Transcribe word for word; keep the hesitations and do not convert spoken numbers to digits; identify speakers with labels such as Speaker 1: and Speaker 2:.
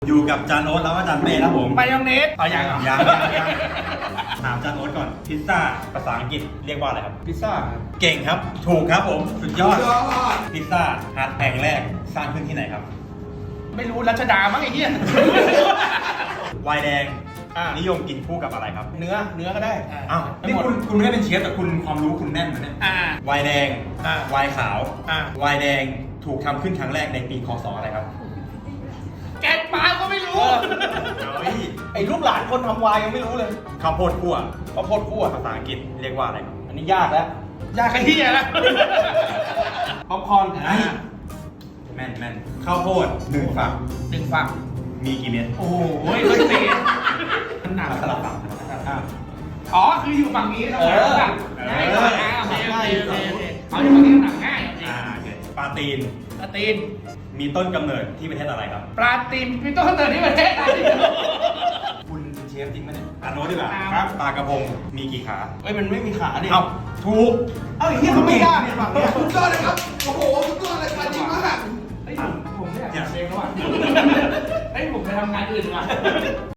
Speaker 1: อยู่กับจานโอ๊ตแล้วก็จานเป้ครับผม
Speaker 2: มายองเนสอ๋อยังเหรอ
Speaker 1: ยังยังยังถามจานโอ๊ตก่อนพิซซ่าภาษาอังกฤษเรียกว่าอะไรครับ
Speaker 2: พิซซ่า
Speaker 1: เก่งครับถูกครับผมสุดยอดพิซซ่าฮัทแห่งแรกสร้างขึ้นที่ไหนครับ
Speaker 2: ไม่รู้รัชดามั้งไอ้เหี้ย
Speaker 1: ไวน์แดง
Speaker 2: อ่านิ
Speaker 1: นิยมกินคู่กับอะไรครับ
Speaker 2: เนื้อเนื้อก็ได้
Speaker 1: อ้าวนี่คุณคุณไม่ได้เป็นเชฟแต่คุณความรู้คุณแน่นนะเนี่ย
Speaker 2: อ่า
Speaker 1: ไวน์แดง
Speaker 2: อ่า
Speaker 1: ไวน์ขาว
Speaker 2: อ่า
Speaker 1: ไวน์แดงถูกทำขึ้นครั้งแรกในปีคศอะไรครับ
Speaker 2: แกงปลาก็ไม่รู้
Speaker 1: เฮ้ย
Speaker 2: ไอ้ลูกหลานคนทำวายยังไม่รู้เลย
Speaker 1: ข้าวโพดคั่ว
Speaker 2: ข้าวโพดคั่ว
Speaker 1: ภาษาอังกฤษเรียกว่าอะไรครับ
Speaker 2: อันนี้ยากแล้วยากไอ้เหี้ยแล้วป๊อปคอร์น
Speaker 1: ไอ้แม่นแม่นข้าวโพดหนึ่งฝัก
Speaker 2: หนึ่งฝัก
Speaker 1: มีกี่เม็ด
Speaker 2: โอ้โหขึ้นตีมันหนัก
Speaker 1: สลับฝั่งอ่า
Speaker 2: อ๋อคืออยู่ฝั่งนี้เรา
Speaker 1: เออ
Speaker 2: หนักง่ายกว่าอ่าโอเคโอเคโอเคโอเคเอาอยู่ฝั่งนี้หนักง่ายโอเค
Speaker 1: อ่าโอเคปลาตีน
Speaker 2: ปลาตีน
Speaker 1: มีต้นกำเนิดที่ประเทศอะไรครับ
Speaker 2: ปลาตีนมีต้นกำเนิดที่ประเทศไทย
Speaker 1: คุณเป็นเชฟจริงไหมเนี่ยอ่านโน้ตดีกว่า
Speaker 2: ครับ
Speaker 1: ครับปลากระพงมีกี่ขา
Speaker 2: เอ้ยมันไม่มีขาดิ
Speaker 1: เอ้าถูก
Speaker 2: เอ้าอย่างเงี้ยเขาไม่ยากเนี่ยฝั่งเนี้ย
Speaker 3: สุดยอดเลยครับ โอ้โห สุดยอดเลยมาจริงมาก
Speaker 2: เฮ้ยผมผมไม่อยากทำเองแล้วอ่ะเฮ้ยผมไปทำงานอื่นดีกว่า